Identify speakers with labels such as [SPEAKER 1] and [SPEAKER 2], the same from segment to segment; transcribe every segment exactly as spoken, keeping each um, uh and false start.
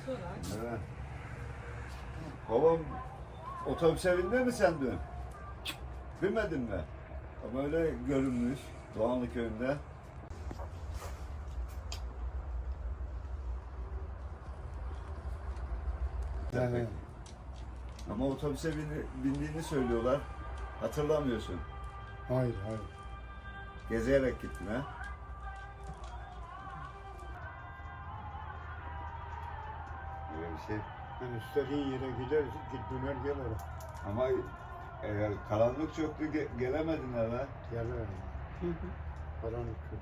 [SPEAKER 1] Evet. Babam otobüse bindi mi sen dün? Binmedin mi? Ama öyle görünmüş Doğanlı köyünde.
[SPEAKER 2] Evet.
[SPEAKER 1] Ama otobüse bindi- bindiğini söylüyorlar. Hatırlamıyorsun.
[SPEAKER 2] Hayır, hayır.
[SPEAKER 1] Gezerek gittin ha? Böyle bir şey.
[SPEAKER 2] Yani istediğin yere gider, git döner gel oraya.
[SPEAKER 1] Ama e, karanlık çöktü, ge- gelemedin eve.
[SPEAKER 2] Gel oraya. Karanlık çok.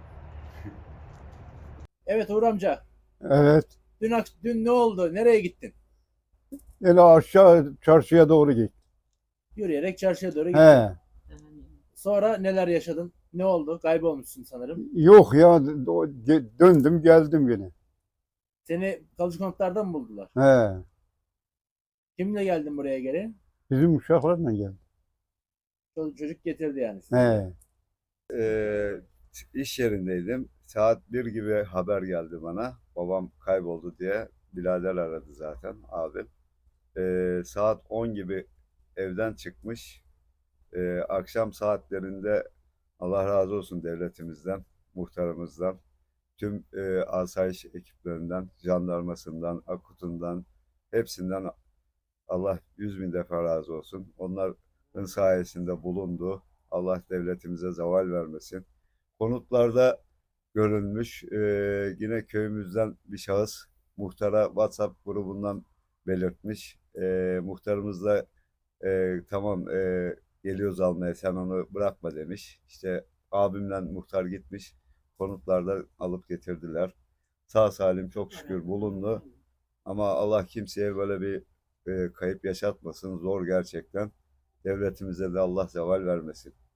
[SPEAKER 3] Evet Uğur amca.
[SPEAKER 2] Evet.
[SPEAKER 3] Dün, ak- dün ne oldu? Nereye gittin?
[SPEAKER 2] Öyle aşağı çarşıya doğru git.
[SPEAKER 3] Yürüyerek çarşıya doğru gittin.
[SPEAKER 2] He.
[SPEAKER 3] Sonra neler yaşadın? Ne oldu? Kaybolmuşsun sanırım.
[SPEAKER 2] Yok ya do- ge- döndüm geldim yine.
[SPEAKER 3] Seni kalıcı konutlardan mı buldular?
[SPEAKER 2] He.
[SPEAKER 3] Kimle geldin buraya geri?
[SPEAKER 2] Bizim uşaklarla geldim.
[SPEAKER 3] Çocuk, çocuk getirdi yani sizi.
[SPEAKER 2] He.
[SPEAKER 1] Ee, iş yerindeydim. Saat bir gibi haber geldi bana. Babam kayboldu diye. Birader aradı zaten abim. Ee, saat on gibi evden çıkmış. Ee, akşam saatlerinde Allah razı olsun devletimizden, muhtarımızdan, tüm e, asayiş ekiplerinden, jandarmasından, akutundan, hepsinden Allah yüz bin defa razı olsun. Onların sayesinde bulundu. Allah devletimize zeval vermesin. Konutlarda görülmüş. Ee, yine köyümüzden bir şahıs muhtara WhatsApp grubundan belirtmiş. Ee, muhtarımız da e, tamam e, geliyoruz almaya sen onu bırakma demiş. İşte abimle muhtar gitmiş. Konutlarda alıp getirdiler. Sağ salim çok şükür bulundu. Ama Allah kimseye böyle bir e, kayıp yaşatmasın. Zor gerçekten. Devletimize de Allah zeval vermesin.